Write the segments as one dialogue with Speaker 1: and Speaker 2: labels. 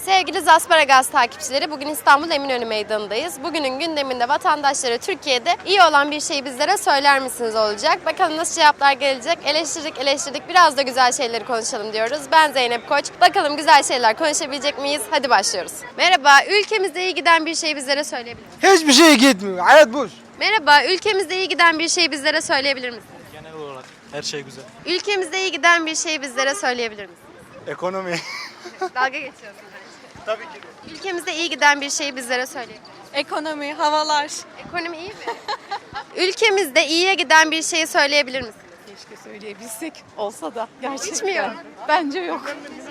Speaker 1: Sevgili Zasparagaz takipçileri, bugün İstanbul Eminönü Meydanı'ndayız. Bugünün gündeminde vatandaşlara Türkiye'de iyi olan bir şeyi bizlere söyler misiniz olacak. Bakalım nasıl cevaplar gelecek. Eleştirdik, biraz da güzel şeyleri konuşalım diyoruz. Ben Zeynep Koç. Bakalım güzel şeyler konuşabilecek miyiz? Hadi başlıyoruz. Merhaba, ülkemizde iyi giden bir şeyi bizlere söyleyebilir misiniz?
Speaker 2: Hiçbir şey gitmiyor. Hayat boş.
Speaker 1: Merhaba, ülkemizde iyi giden bir şeyi bizlere söyleyebilir misiniz?
Speaker 3: Genel olarak her şey güzel.
Speaker 1: Ülkemizde iyi giden bir şeyi bizlere söyleyebilir misiniz?
Speaker 2: Ekonomi.
Speaker 1: Dalga geçiyorsun bence.
Speaker 2: Tabii ki.
Speaker 1: Ülkemizde iyi giden bir şeyi bizlere söyleyebilir misiniz?
Speaker 4: Ekonomi, havalar.
Speaker 1: Ekonomi iyi mi? Ülkemizde iyiye giden bir şeyi söyleyebilir misiniz?
Speaker 4: Keşke söyleyebilsek olsa da gerçekten.
Speaker 1: Hiç mi yok?
Speaker 4: Bence yok.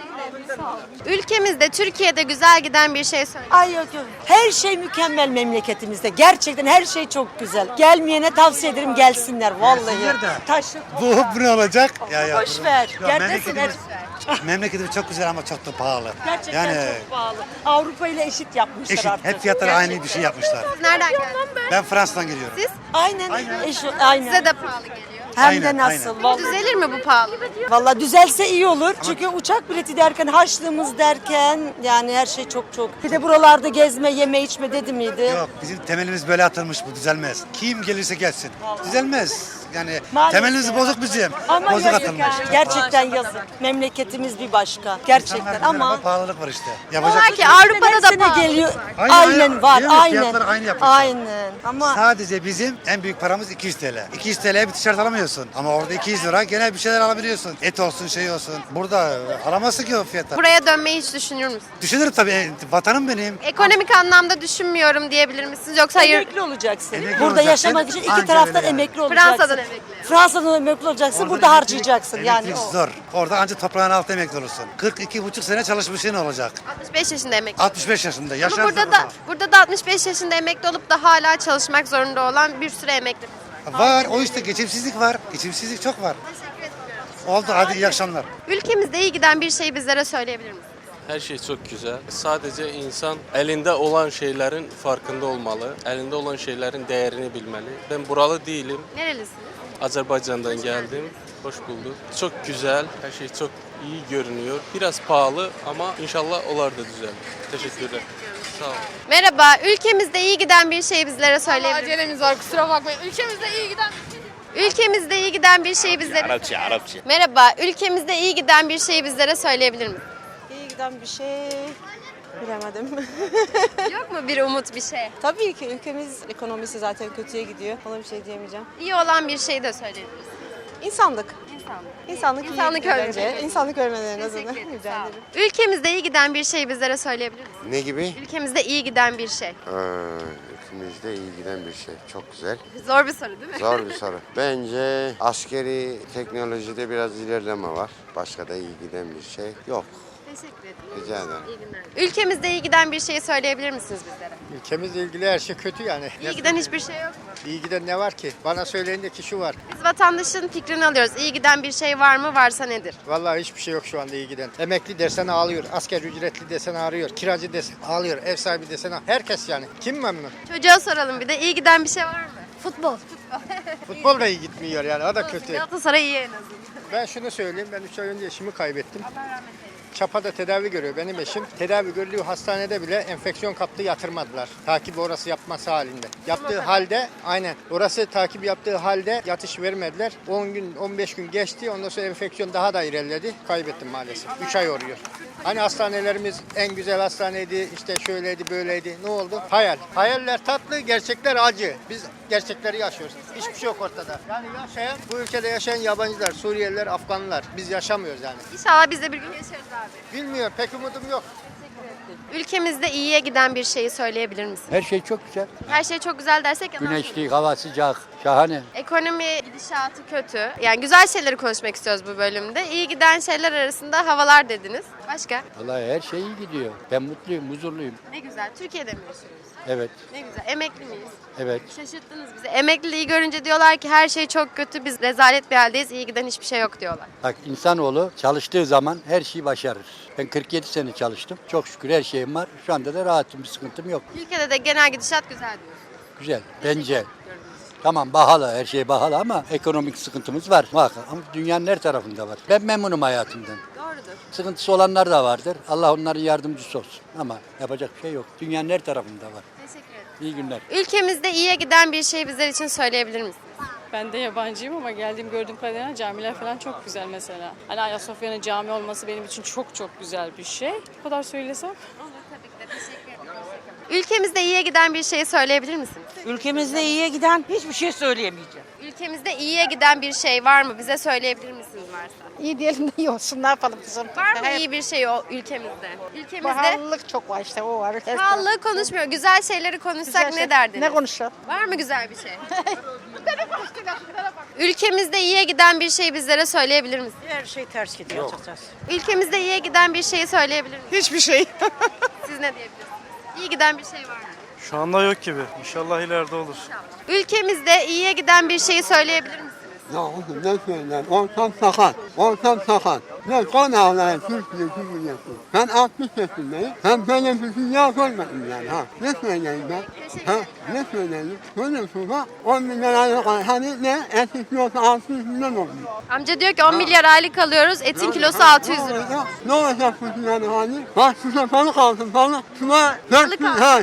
Speaker 1: Ülkemizde, Türkiye'de güzel giden bir şey söyle.
Speaker 5: Ay yok yok. Her şey mükemmel memleketimizde. Gerçekten her şey çok güzel. Gelmeyene tavsiye ederim gelsinler vallahi.
Speaker 6: Gelsinler de.
Speaker 5: Taşı.
Speaker 6: Bu ne olacak?
Speaker 5: Boş ver.
Speaker 6: Ya
Speaker 5: Gelmesinler.
Speaker 6: memleketimiz çok güzel ama çok da pahalı.
Speaker 5: Gerçekten
Speaker 6: Yani
Speaker 5: çok pahalı. Avrupa ile eşit yapmışlar
Speaker 6: eşit.
Speaker 5: artık.
Speaker 6: Hep fiyatları aynı bir şey yapmışlar.
Speaker 1: Siz nereden geldiniz?
Speaker 6: Ben Fransa'dan geliyorum.
Speaker 1: Siz?
Speaker 5: Aynen. Aynen.
Speaker 1: Size de pahalı geliyor.
Speaker 5: Hem
Speaker 6: Aynen,
Speaker 5: de nasıl.
Speaker 6: aynen.
Speaker 5: Vallahi.
Speaker 1: Düzelir mi bu pahalı?
Speaker 5: Vallahi düzelse iyi olur. Çünkü uçak bileti derken, harçlığımız derken yani her şey çok çok. Bir de buralarda gezme, yeme, içme dedi miydi?
Speaker 6: Yok, bizim temelimiz böyle atılmış, bu düzelmez. Kim gelirse gelsin. Düzelmez. Yani
Speaker 5: Maalesef.
Speaker 6: temelimiz bozuk bizim.
Speaker 5: Ama
Speaker 6: Bozuk
Speaker 5: yazık
Speaker 6: atılmış.
Speaker 5: yani. Gerçekten yazık. Memleketimiz bir başka. Gerçekten
Speaker 6: İnsanlar
Speaker 5: ama
Speaker 6: bir pahalılık var işte.
Speaker 1: Var
Speaker 6: Yapacak
Speaker 1: ki Avrupa'da da
Speaker 5: sene
Speaker 1: pahalı.
Speaker 5: geliyor.
Speaker 6: Aynı,
Speaker 5: Aynen var.
Speaker 6: değil mi?
Speaker 5: Aynen.
Speaker 6: Fiyatları aynı yapmışlar.
Speaker 5: Aynen. Ama
Speaker 6: Sadece bizim en büyük paramız 200 TL. 200 TL'ye bir tişört alamıyorsun. Ama orada 200 lira gene bir şeyler alabiliyorsun. Et olsun, şey olsun. Burada alamazsın ki o fiyata.
Speaker 1: Buraya dönmeyi hiç düşünür müsünüz?
Speaker 6: Düşünürüm tabii. Vatanım benim.
Speaker 1: Ekonomik anlamda düşünmüyorum diyebilir misiniz? Yoksa hayır,
Speaker 5: emekli olacaksın.
Speaker 6: Emekli
Speaker 5: Burada
Speaker 6: olacaksın.
Speaker 5: yaşamak için iki
Speaker 6: Anca
Speaker 5: taraftan
Speaker 6: öyle yani.
Speaker 5: emekli olacaksın.
Speaker 1: Fransa'dan emekli.
Speaker 5: Fransa'dan emekli olacaksın.
Speaker 6: Orada
Speaker 5: burada
Speaker 6: emeklilik-
Speaker 5: harcayacaksın. Yani
Speaker 6: emeklilik
Speaker 5: o.
Speaker 6: zor. Orada ancak toprağın altında emekli olursun. 42,5 sene çalışmışsın olacak.
Speaker 1: 65 yaşında emekli.
Speaker 6: 65 yaşında.
Speaker 1: Ama
Speaker 6: Yaşarsın
Speaker 1: burada da 65 yaşında emekli olup da hala çalışmak zorunda olan bir sürü emekli.
Speaker 6: var. O işte geçimsizlik var. Geçimsizlik çok var. Oldu. Hadi iyi akşamlar.
Speaker 1: Ülkemizde iyi giden bir şeyi bizlere söyleyebilir misiniz?
Speaker 7: Her şey çok güzel. Sadece insan elinde olan şeylerin farkında olmalı. Elinde olan şeylerin değerini bilmeli. Ben buralı değilim.
Speaker 1: Nerelisiniz?
Speaker 7: Azerbaycan'dan geldim. Hoş bulduk. Çok güzel. Her şey çok iyi görünüyor. Biraz pahalı ama inşallah olar da düzelir. Teşekkürler. Sağ olun.
Speaker 1: Merhaba, ülkemizde iyi giden bir şeyi bizlere söyleyebilir misiniz?
Speaker 4: Acelemiz var, kusura bakmayın. Ülkemizde iyi giden
Speaker 1: Ülkemizde iyi giden bir şeyi bizlere...
Speaker 3: Arapça.
Speaker 1: Merhaba, ülkemizde iyi giden bir şeyi bizlere söyleyebilir misiniz?
Speaker 8: İyi giden bir şey bilemedim.
Speaker 1: Yok mu bir umut, bir şey?
Speaker 8: Tabii ki ülkemiz ekonomisi zaten kötüye gidiyor. Ona bir şey diyemeyeceğim.
Speaker 1: İyi olan bir şey de söyleyebiliriz.
Speaker 8: İnsanlık. İnsanlık iyi
Speaker 1: İnsanlık
Speaker 8: gidiyor
Speaker 1: ölmedi.
Speaker 8: bence. İnsanlık ölmedi en azından.
Speaker 1: Teşekkür ederim,
Speaker 8: Rica
Speaker 1: sağ olun.
Speaker 8: ederim.
Speaker 1: Ülkemizde iyi giden bir şeyi bizlere söyleyebilir misiniz?
Speaker 9: Ne gibi?
Speaker 1: Ülkemizde iyi giden bir şey.
Speaker 9: Ülkemizde iyi giden bir şey. Çok güzel.
Speaker 1: Zor bir soru değil mi?
Speaker 9: Zor bir soru. Bence askeri teknolojide biraz ilerleme var. Başka da iyi giden bir şey yok.
Speaker 1: Teşekkür ederim.
Speaker 9: Rica ederim.
Speaker 1: İyi günler. Ülkemizde iyi giden bir şeyi söyleyebilir misiniz bizlere?
Speaker 2: Ülkemizle ilgili her şey kötü yani.
Speaker 1: İyi giden hiçbir şey yok mu?
Speaker 2: İyi giden ne var ki? Bana söyleyin de ki şu var.
Speaker 1: Biz vatandaşın fikrini alıyoruz. İyi giden bir şey var mı? Varsa nedir?
Speaker 2: Vallahi hiçbir şey yok şu anda iyi giden. Emekli dersen ağlıyor. Asker ücretli desen ağrıyor. Kiracı desen ağlıyor. Ev sahibi desen ağlıyor. Herkes yani. Kim memnun?
Speaker 1: Çocuğa soralım bir de. İyi giden bir şey var mı? Futbol.
Speaker 2: Futbol da iyi gitmiyor yani. O da kötü.
Speaker 1: Galatasaray iyi en azından.
Speaker 2: Ben şunu söyleyeyim. Ben 3 ay önce eşimi kaybettim. Çapa'da tedavi görüyor benim eşim. Tedavi gördüğü hastanede bile enfeksiyon kaptı, yatırmadılar. Takip orası yapması halinde. Yaptığı halde aynen orası takip yaptığı halde yatış vermediler. 10 gün 15 gün geçti. Ondan sonra enfeksiyon daha da ilerledi. Kaybettim maalesef. 3 ay oluyor. Hani hastanelerimiz en güzel hastaneydi, işte şöyleydi, böyleydi. Ne oldu? Hayal. Hayaller tatlı, gerçekler acı. Biz gerçekleri yaşıyoruz. Hiçbir şey yok ortada. Yani yaşayan, bu ülkede yaşayan yabancılar, Suriyeliler, Afganlar. Biz yaşamıyoruz yani.
Speaker 1: İnşallah biz de bir gün yaşarız abi.
Speaker 2: Bilmiyorum, pek umudum yok.
Speaker 1: Ülkemizde iyiye giden bir şeyi söyleyebilir misiniz?
Speaker 10: Her şey çok güzel.
Speaker 1: Her şey çok güzel dersek yalan.
Speaker 10: Güneşli, hava sıcak, şahane.
Speaker 1: Ekonomi gidişatı kötü. Yani güzel şeyleri konuşmak istiyoruz bu bölümde. İyi giden şeyler arasında havalar dediniz. Başka?
Speaker 10: Vallahi her şey iyi gidiyor. Ben mutluyum, huzurluyum.
Speaker 1: Ne güzel. Türkiye'de mi yaşıyoruz?
Speaker 10: Evet,
Speaker 1: Ne güzel. Emekli miyiz?
Speaker 10: evet.
Speaker 1: Şaşırttınız bizi. Emekliliği görünce diyorlar ki her şey çok kötü. Biz rezalet bir haldeyiz. İyi giden hiçbir şey yok diyorlar.
Speaker 10: Bak insanoğlu çalıştığı zaman her şeyi başarır. Ben 47 sene çalıştım. Çok şükür her şeyim var. Şu anda da rahatım, bir sıkıntım yok.
Speaker 1: Ülkede de genel gidişat güzel diyoruz.
Speaker 10: Güzel, bence. Tamam pahalı, her şey pahalı ama ekonomik sıkıntımız var. Muhakkak ama dünyanın her tarafında var. Ben memnunum hayatımdan.
Speaker 1: Doğrudur.
Speaker 10: Sıkıntısı olanlar da vardır. Allah onların yardımcısı olsun. Ama yapacak bir şey yok. Dünyanın her tarafında var.
Speaker 1: Teşekkür ederim.
Speaker 10: İyi günler.
Speaker 1: Ülkemizde iyiye giden bir şey bizler için söyleyebilir misiniz?
Speaker 4: Ben de yabancıyım ama gördüğüm kadarıyla camiler falan çok güzel mesela. Hani Ayasofya'nın cami olması benim için çok çok güzel bir şey. Bu kadar söylesem.
Speaker 1: Ülkemizde iyiye giden bir şey söyleyebilir misiniz?
Speaker 5: Ülkemizde iyiye giden hiçbir şey söyleyemeyeceğim.
Speaker 1: Ülkemizde iyiye giden bir şey var mı? Bize söyleyebilir misiniz varsa?
Speaker 11: İyi diyelim de iyi olsun. Ne yapalım kızım?
Speaker 1: Var mı iyi bir şey o ülkemizde? Ülkemizde
Speaker 11: Pahalılık çok var işte o var.
Speaker 1: pahalılığı konuşmuyor. Güzel şeyleri konuşsak ne derdiniz?
Speaker 11: Ne konuşalım?
Speaker 1: Var mı güzel bir şey? Ülkemizde iyiye giden bir şey bizlere söyleyebilir misiniz?
Speaker 5: Her şey ters gidiyor açıkçası.
Speaker 1: Ülkemizde iyiye giden bir şeyi söyleyebilir misiniz?
Speaker 11: Hiçbir şey.
Speaker 1: Siz ne diyebilirsiniz? İyi giden bir şey var mı?
Speaker 3: Şu anda yok gibi. İnşallah ileride olur.
Speaker 1: Ülkemizde iyiye giden bir şeyi söyleyebilir misiniz?
Speaker 9: Ya oğlum ne söyleyeyim? Ortam sakat. Ortam sakat. Ne konağlar Türkiye'si biliyorsun. Ben 60 yaşındayım. Ben böyle bir dünya görmedim yani ha. Ne söyleyeyim ben? Ha? Ne söyleyeyim? Böyle şurada 10 milyon aylık hani ne? Etin kilosu 600 milyon olmuş.
Speaker 1: Amca diyor ki 10 milyar aylık alıyoruz, etin kilosu 600 lira.
Speaker 9: Ne olacak bu yani hani? Bak size balık aldım balık. Şuna
Speaker 1: Balık
Speaker 9: 400 ha.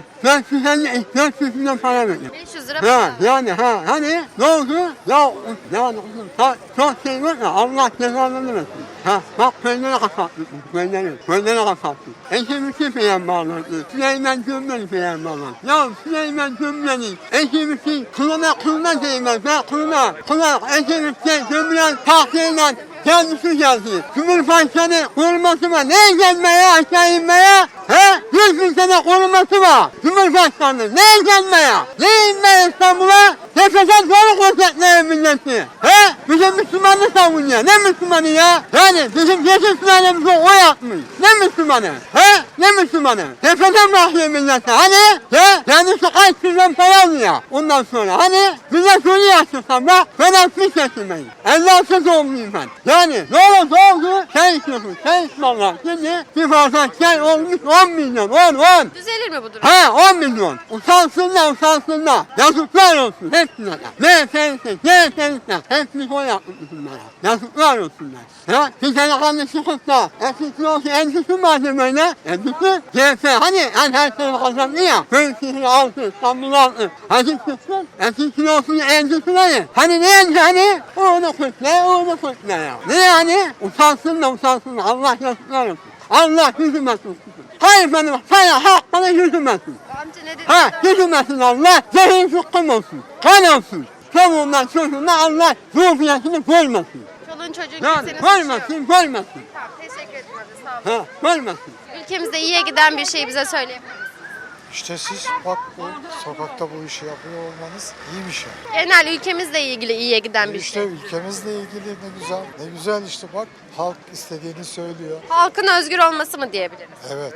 Speaker 9: 450 milyon para verdim.
Speaker 1: 500 lira
Speaker 9: Ha,
Speaker 1: para.
Speaker 9: yani ha hani ne oldu? Ya yani çok şey var ya Allah cezanı versin. Ha bak peyniri kapattık peyniri kapattık. Eşimizi beğenmezler. Süleyman Cümle'yi beğenmezler. Ya Süleyman Cümle'yi eşimizi kılına değmez. Ben kılına eşimizi Cümle'nin tahsiyle kendisi geldi. Cumhurbaşkanı koruması var. Neye gelmeye aşağı inmeye? He? 100 bin sene koruması var. Cumhurbaşkanı neye gelmeye? Ne inmeye İstanbul'a? Tepeden doğru konsetler milleti. He? Bizim Müslümanı savunuyor. Ne Müslümanı ya? Yani bizim geçim sülalemize oy atmış. Ne Müslümanı? He? Ne Müslümanı? Tepeden bakıyor millete. Hani? He? Kendisi kaç milyon para alıyor. Ondan sonra hani? Bize soruyor açıkçası. Bak ben 60 yaşındayım. 56 doğumluyum ben. Yani ne olursa olsun sen istiyorsun. Sen istiyorlar. Şimdi bir fazla şey olmuş 10 milyon. 10.
Speaker 1: Düzelir mi bu durum?
Speaker 9: Ha 10 milyon. Utansınlar. Yazıklar olsun hepsine. Ne sensin, ne sensin. Hepsini o yapmış bunlara. Yazıklar olsunlar. Ya bir tane kanlı çıkıpsa eskisi olsun endüstri malzemeyle. Endüstri CF hani her şeyi kazandı ya. Köyüsünü altı, İstanbul'u altı. Hadi çıksın. Eskisi olsun endüstrileri. Hani ne endüstri hani? Onu kutla ya. Ne yani? Utansınlar. Allah yazıklar olsun. Allah yüzümesin. Hayır benim sana hak bana yüzümesin.
Speaker 1: Amca ne dedi?
Speaker 9: Ha yüzümesin Allah. Zehin sıkkım olsun. Kan olsun. Çoluğundan çocuğundan Allah ruhiyetini koymasın.
Speaker 1: Çoluğun çocuğun
Speaker 9: Yani
Speaker 1: kimsenin
Speaker 9: koymasın.
Speaker 1: Tamam teşekkür ederim hadi sağ olun.
Speaker 9: Ha koymasın.
Speaker 1: Ülkemizde iyiye giden bir şey bize söyleyebilir misiniz?
Speaker 12: İşte siz bak bu sokakta bu işi yapıyor olmanız iyi bir şey.
Speaker 1: Genel ülkemizle ilgili iyiye giden bir
Speaker 12: İşte
Speaker 1: şey.
Speaker 12: ülkemizle ilgili ne güzel. Ne güzel işte bak halk istediğini söylüyor.
Speaker 1: Halkın özgür olması mı diyebiliriz?
Speaker 12: Evet.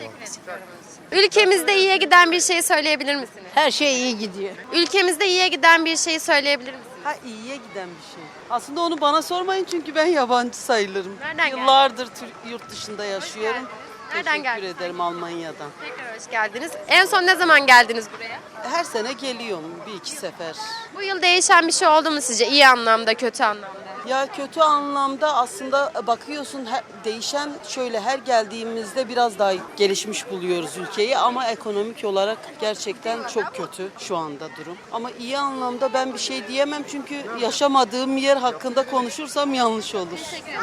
Speaker 1: Ülkemizde iyiye giden bir şey söyleyebilir misiniz?
Speaker 5: Her şey iyi gidiyor.
Speaker 1: Ülkemizde iyiye giden bir şey söyleyebilir misiniz?
Speaker 8: Ha iyiye giden bir şey. Aslında onu bana sormayın çünkü ben yabancı sayılırım.
Speaker 1: Nereden geldin?
Speaker 8: Yıllardır yurt dışında yaşıyorum.
Speaker 1: Nereden
Speaker 8: Teşekkür
Speaker 1: geldiniz?
Speaker 8: ederim Almanya'dan.
Speaker 1: Tekrar hoş geldiniz. En son ne zaman geldiniz buraya?
Speaker 8: Her sene geliyorum bir iki sefer.
Speaker 1: Bu yıl değişen bir şey oldu mu sizce? İyi anlamda, kötü anlamda?
Speaker 8: Ya kötü anlamda aslında bakıyorsun değişen şöyle her geldiğimizde biraz daha gelişmiş buluyoruz ülkeyi ama ekonomik olarak gerçekten çok kötü şu anda durum. Ama iyi anlamda ben bir şey diyemem çünkü yaşamadığım yer hakkında konuşursam yanlış olur.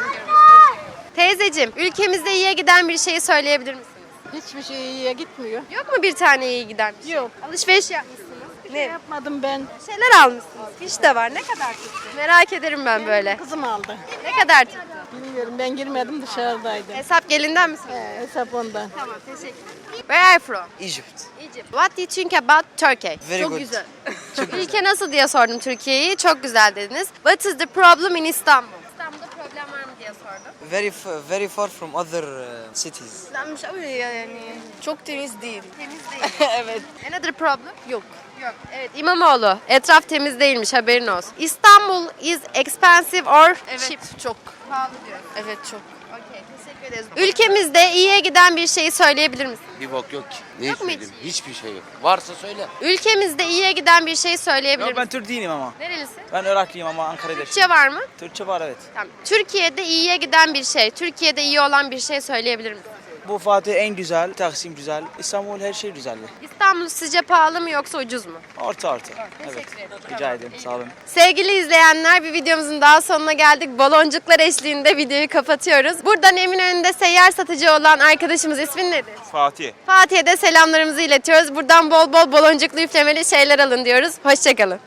Speaker 1: Teyzeciğim, ülkemizde iyiye giden bir şeyi söyleyebilir misiniz?
Speaker 11: Hiçbir şey iyiye gitmiyor.
Speaker 1: Yok mu bir tane iyi giden bir şey?
Speaker 11: Yok.
Speaker 1: Alışveriş yapmışsınız.
Speaker 11: Ne yapmadım ben?
Speaker 1: Şeyler almışsınız. Fiş de var. Ne kadar tuttu? Merak ederim ben böyle.
Speaker 11: Kızım aldı.
Speaker 1: Ne kadar tuttu?
Speaker 11: Bilmiyorum ben girmedim dışarıdaydım.
Speaker 1: Hesap gelinden misiniz?
Speaker 11: Hesap ondan.
Speaker 1: Tamam, teşekkür ederim. Where are you from?
Speaker 13: Egypt.
Speaker 1: Egypt. What do you think about Turkey?
Speaker 13: Very
Speaker 1: Çok
Speaker 13: good.
Speaker 1: güzel. Ülke nasıl diye sordum Türkiye'yi. Çok güzel dediniz. What is the problem in Istanbul? İstanbul'da problem var mı diye sordum.
Speaker 13: Very far from other cities.
Speaker 11: Çok temiz değil.
Speaker 1: Temiz değil.
Speaker 11: Evet.
Speaker 1: Another problem? Yok. Evet, İmamoğlu. Etraf temiz değilmiş, haberin olsun. İstanbul is expensive or cheap?
Speaker 11: Çok.
Speaker 1: Pahalı diyor.
Speaker 11: Evet çok.
Speaker 1: Okay, teşekkür Teşekkür ederiz. Ülkemizde iyiye giden bir şeyi söyleyebilir misin?
Speaker 13: Bir bok yok ki. Ne
Speaker 1: Yok mu hiç?
Speaker 13: söyleyeyim? Hiçbir şey yok. Varsa söyle.
Speaker 1: Ülkemizde iyiye giden bir şeyi söyleyebilir
Speaker 14: Yok, ben
Speaker 1: misin?
Speaker 14: Türk değilim ama.
Speaker 1: Nerelisin?
Speaker 14: Ben Iraklıyım ama Ankara'da
Speaker 1: Türkçe var mı?
Speaker 14: Türkçe var, evet.
Speaker 1: Tamam. Türkiye'de iyiye giden bir şey, Türkiye'de iyi olan bir şey söyleyebilir misin?
Speaker 14: Bu Fatih en güzel, Taksim güzel, İstanbul her şey güzel.
Speaker 1: İstanbul sizce pahalı mı yoksa ucuz mu?
Speaker 14: Orta. Evet. Rica ederim. Sağ olun.
Speaker 1: Sevgili izleyenler, bir videomuzun daha sonuna geldik. Baloncuklar eşliğinde videoyu kapatıyoruz. Buradan Eminönü'nde seyyar satıcı olan arkadaşımız ismin nedir?
Speaker 14: Fatih.
Speaker 1: Fatih'e de selamlarımızı iletiyoruz. Buradan bol bol baloncuklu üflemeli şeyler alın diyoruz. Hoşçakalın.